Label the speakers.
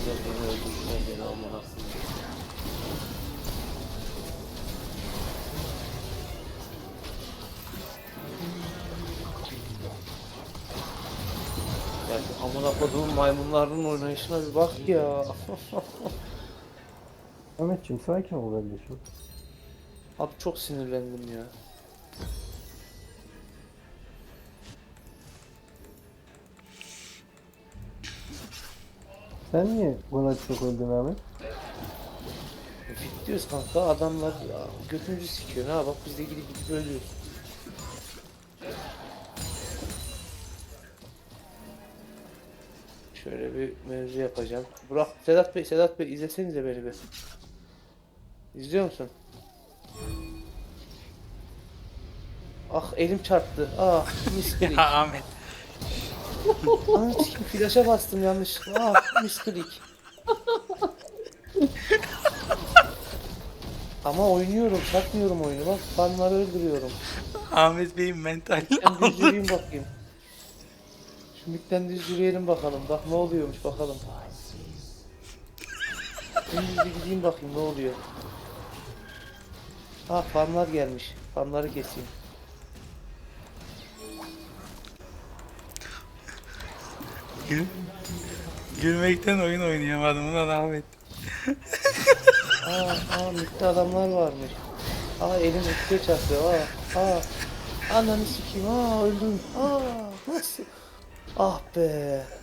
Speaker 1: Güzel beni öldürdüler beni amına. Ya şu amına koduğum maymunların oynayışına bir bak ya.
Speaker 2: Ahmetciğim sakin ol kardeşim.
Speaker 1: Abi çok sinirlendim ya.
Speaker 2: Sen niye bu kadar çok öldün Ahmet?
Speaker 1: Fit diyoruz kanka adamlar ya, götümüzü sikiyor ha bak biz de gidip ölüyoruz. Şöyle bir mevzu yapacağım. Burak, Sedat Bey izlesenize beni bir. İzliyor musun? Ah elim çarptı. Ah misklik.
Speaker 3: Ya Ahmet.
Speaker 1: Anam sikim flaşa bastım yanlışlıkla. Ah misklik. Ama oynuyorum, satmıyorum oyunu. Bak fanları öldürüyorum.
Speaker 3: Ahmet Bey'in mentali
Speaker 1: Ben düz
Speaker 3: aldı.
Speaker 1: yürüyeyim bakayım. Şimdiden düz yürüyelim bakalım. Bak ne oluyormuş bakalım. Düz bir gideyim bakayım ne oluyor. Ha fanlar gelmiş. Fanları keseyim.
Speaker 3: Gül, gülmekten oyun oynayamadım ulan Ahmet.
Speaker 1: Mitte adamlar varmış. Elim üstüne çarpıyor. Ananı sikeyim. Öldüm. Nasıl? Ah be.